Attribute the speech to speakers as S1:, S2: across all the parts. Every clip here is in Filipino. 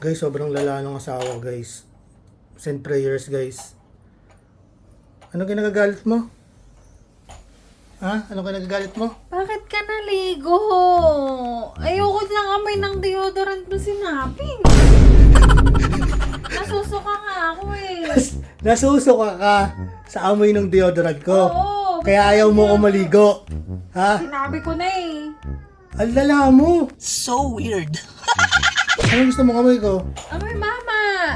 S1: Guys, sobrang lala ng asawa, guys. Send prayers, guys. Ano kinagagalit mo? Ha? Ano kinagagalit mo?
S2: Bakit ka naligo? Ayoko ng amoy ng deodorant mo sinapin. Nasusuka nga ako eh.
S1: Nasusuka ka sa amoy ng deodorant ko.
S2: Oo.
S1: Kaya ayaw mo ko maligo. Ha?
S2: Sinabi ko na eh.
S1: Ang lala mo.
S3: So weird.
S1: Ano gusto mo amoy ko?
S2: Amoy mama.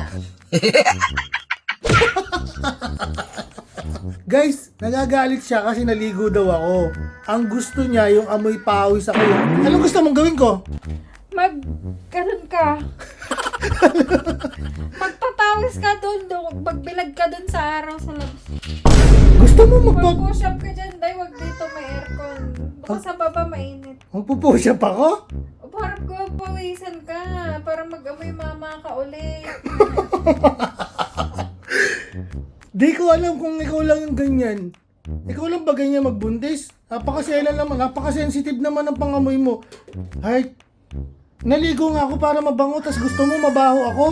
S1: Guys, nagagalit siya kasi naligo daw ako. Ang gusto niya yung amoy pawis ako. Anong gusto mong gawin ko?
S2: Ganun ka. Magpapawis ka doon. Magbilag ka doon sa araw sa labas.
S1: Gusto mo
S2: Mag-push up ka dyan, day. Wag dito may aircon. Baka sa baba mainit.
S1: magpupush up ako?
S2: O parang ko pawisan ka. Para mag-amoy mama ka ulit.
S1: Di ko alam kung ikaw lang yung ganyan. Ikaw lang ba ganyan magbuntis? Napakasela naman, napakasensitive naman ang pangamoy mo. Heart, naligo nga ako para mabango, tas gusto mo mabaho ako?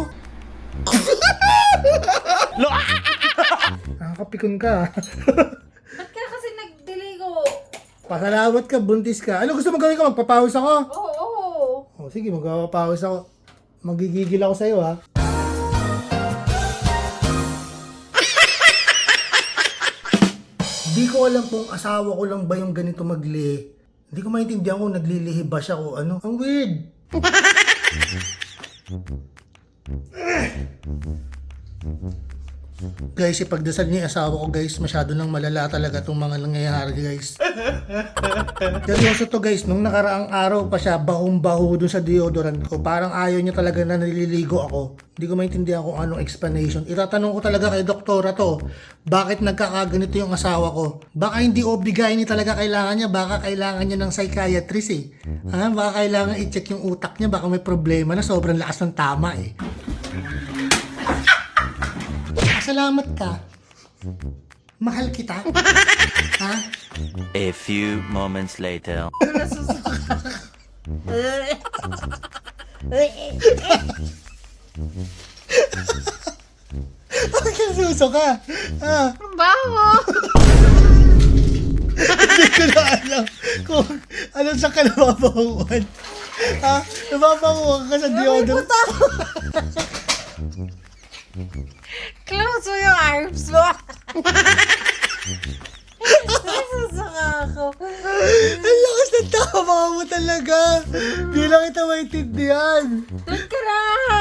S1: Nakakapikon ka.
S2: Ba't ka kasi nagdiligo?
S1: Pasalamat ka, buntis ka. Ano gusto mo gawin ko? Magpapawis ako?
S2: Oo.
S1: O sige, magpapawis ako. Magigigil ako sa'yo, ha? Di ko alam kung asawa ko lang ba yung ganito maglihi. Hindi ko maintindihan kung naglilihi ba siya o ano. Ang weird. Guys, ipagdasal niyo yung asawa ko, guys. Masyado nang malala talaga itong mga nangyayari, guys. Seryoso to, guys. Nung nakaraang araw pa siya, bahong-baho dun sa deodorant ko. Parang ayaw niya talaga na naliligo ako. Hindi ko maintindihan kung anong explanation. Itatanong ko talaga kay doktora to. Bakit nagkakaganito yung asawa ko? Baka hindi OB-GYN talaga kailangan niya. Baka kailangan niya ng psychiatrist eh. Ha? Baka kailangan i-check yung utak niya. Baka may problema na sobrang lakas ng tama eh. Salamat ka. Mahal kita. Ha?
S4: A few moments later.
S1: Bakit suso ka? Ha?
S2: Ang baho.
S1: Hindi ko na alam kung alam sa ka nababanguan. Ha? Nababanguan ka sa deodorant.
S2: Close mo yung arms mo. Nasusuka ako.
S1: Ang lakas ng tama mo talaga. Di lang kita maintindihan.
S2: Doon ka na.